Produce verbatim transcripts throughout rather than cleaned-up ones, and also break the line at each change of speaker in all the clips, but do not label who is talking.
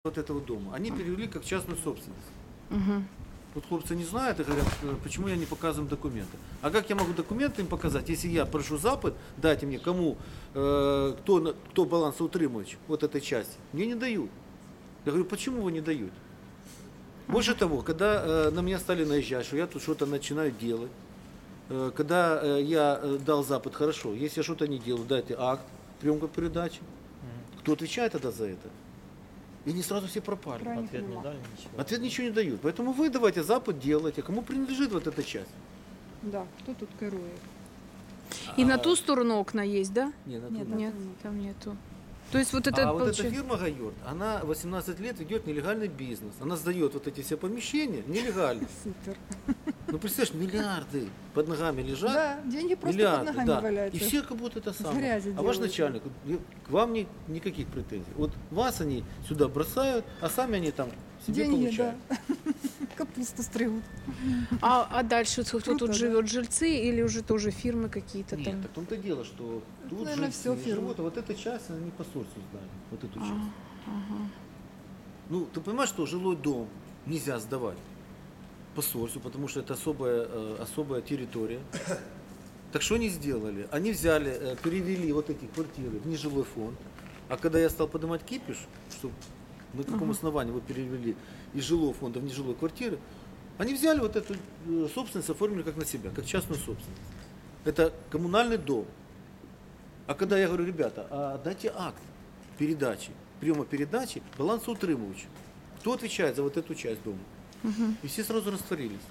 вот этого дома, они перевели как частную собственность.
Угу.
Вот хлопцы не знают и говорят, почему я не показываю документы. А как я могу документы им показать, если я прошу запад, дайте мне кому, э, кто, кто балансоутримувач вот этой части. Мне не дают. Я говорю, почему вы не даете? Больше того, когда э, на меня стали наезжать, что я тут что-то начинаю делать, э, когда э, я э, дал запад, хорошо, если я что-то не делаю, дайте акт, приемка передачи. Кто отвечает тогда за это? И они сразу все пропали.
Ответ не дали, ничего.
Ответ ничего не дают. Поэтому вы давайте запад делайте. Кому принадлежит вот эта часть?
Да, хто тут керує?
И на ту сторону окна есть, да?
Не, на
Нет,
ту-
Нет, там нету. То есть вот это
А вот эта
получается-
фирма Гайорт, она восемнадцать лет ведет нелегальный бизнес. Она сдает вот эти все помещения нелегально.
Супер.
Ну представляешь, миллиарды под ногами лежат.
Да, деньги просто
Миллиарды,
под ногами
да.
валяются.
И все как будто это самое.
грязи
А ваш
делают.
начальник, я- к вам ни- никаких претензий. Вот вас они сюда бросают, а сами они там себе
Деньги,
получают.
да. Капусту стригут.
А, а дальше кто
Круто,
тут
да.
живет? Жильцы или уже тоже фирмы какие-то
Нет,
там?
так в том-то и дело, что тут
наверное,
жильцы
всё фирмы.
живут, а вот эта часть, она не по сорсу сдали, вот эту
А,
часть.
ага.
Ну, ты понимаешь, что жилой дом нельзя сдавать по сорсу, потому что это особая, э, особая территория. Так что они сделали? Они взяли, э, перевели вот эти квартиры в нежилой фонд, а когда я стал поднимать кипиш, что на каком
Ага.
основании вы перевели из жилого фонда в нежилой квартиры, они взяли вот эту э, собственность, оформили как на себя, как частную собственность. Это коммунальный дом. А когда я говорю, ребята, а дайте акт передачи, приема передачи балансоутримывачу. Кто отвечает за вот эту часть дома?
Мгм.
И все сразу растворились.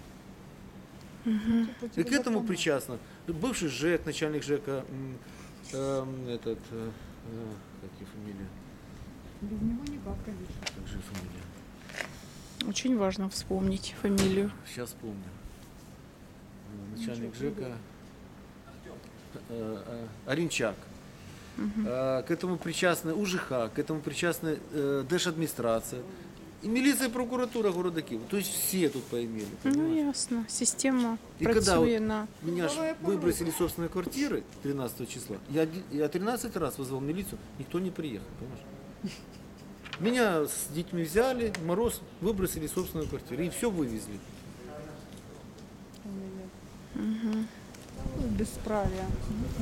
Мгм.
И к этому причастно бывший ЖЭК, начальник ЖЭКа, м, эм, этот, э, э, как его фамилия?
Без него никак, конечно.
Как же фамилия?
Очень важно вспомнить фамилию.
Сейчас вспомню. Э, Начальник ЖЭКа э, э, Оренчак. Э, К этому причастны УЖХ, к этому причастны э, Держадминистрация. И милиция, и прокуратура города Киева. То есть все тут поимели.
Ну
понимаешь?
ясно. Система
И когда
працює
вот
на.
меня ж
Давай
выбросили из собственной квартиры тринадцатого числа, я, оди- я тринадцать раз вызвал милицию, никто не приехал, понимаешь? Меня с детьми взяли, мороз, выбросили из собственной квартиры, и все вывезли.
Ой-ой-ой. Безправие.